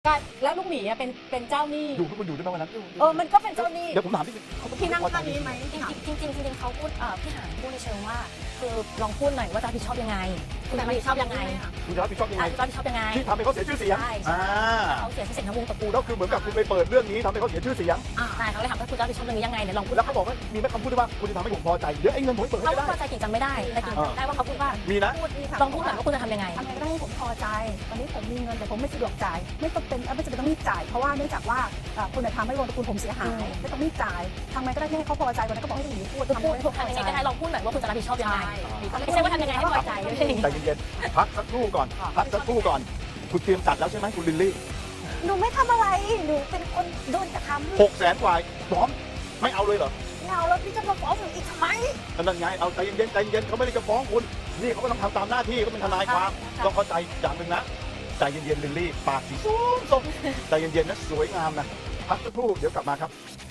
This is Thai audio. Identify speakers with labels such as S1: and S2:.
S1: แล้วลูกหมีเป็นเจ้าหนี้
S2: อยู่ทุกคนอยู่ด้วยไหมวันนั้น
S1: มันก็เป็นเจ้าหนี้
S2: เดี๋ยวผมถามที่
S1: พี่นั่งท่านี้ไหม
S3: จริงเขาพูดพี่หานพูดในเชิงว่าคือลองพูดหน่อยว่าจะรับผิดชอบยังไงคุณจะรับผิดชอบยังไง
S2: คุณจะรับผิดชอบยังไง
S3: รับผิดชอบยังไง
S2: ที่ทำให้เขาเสียชื่อเสียง
S3: เขาเสียชื่อเสียงทั้งวงตระกูล
S2: ก็คือเหมือนกับคุณไปเปิดเรื่องนี้ทำให้เขาเสียชื่อเสียง
S3: ใช่เขาเลยถามว่าคุณจะรับผิดชอบเรื่องนี้ยังไงเนี่ยลองพูด
S2: แล้วเขาบอกว่ามีแม่คำพูดด้วยว่าคุณจะทำให้ผมพอใจเดี๋ยวไอ้เงินผมเปิดให้ได้
S3: เขาพอใจกิ่งจำไม่ได้แต่กิ่งจำได้ว่าเขาพูดว่า
S2: มีนะ
S3: ลองพูดหน่อยว่าคุณจะทำยังไง
S1: ทำไงก็ได้ให้ผมพอใจตอนนี้ผมมีเงินแต่ผมไม่สะดวกจ่ายไม่จำเป็นต้องรีบจ่ายเพราะว่าเนื่องจากว่าคุณทำให้วงตระกูลผมเสียหายไม่ต้องรีบจ่ายทำไงก็ได้ให้เขาพอใจวันนั้นก็บอกให้ลูกหมีพูด
S3: ทำยังไงก็ได้ลองพูดหน่อยว่าคุณจะรับผิดชอบยังไงไม่ใช่ว่าทำยังไงให้พอใจ
S2: ใจเย็นๆพักสักครู่ก่อนคุณเตรียมจัดแล้วใช่ไหมคุณลิลลี่
S1: หนูไม่ทำอะไรหนูเป็นคนโดนกระทำ
S2: 600,000 กว่าพร้อมไม่เอาเลยเหรอ
S1: ไม่เอาแล้วพี่จะมาฟ้องหนูอีกทำไม
S2: นั่นไงเอาใจเย็นเขาไม่ได้จะฟ้องคุณนี่เขาก็ต้องทำตามหน้าที่เขาเป็นทนายความต้องเข้าใจอย่างหนึ่งนะใจเย็นๆลิลลี่ปากสีส้มใจเย็นๆนะสวยงามนะพักสักครู่เดี๋ยวกลับมาครับ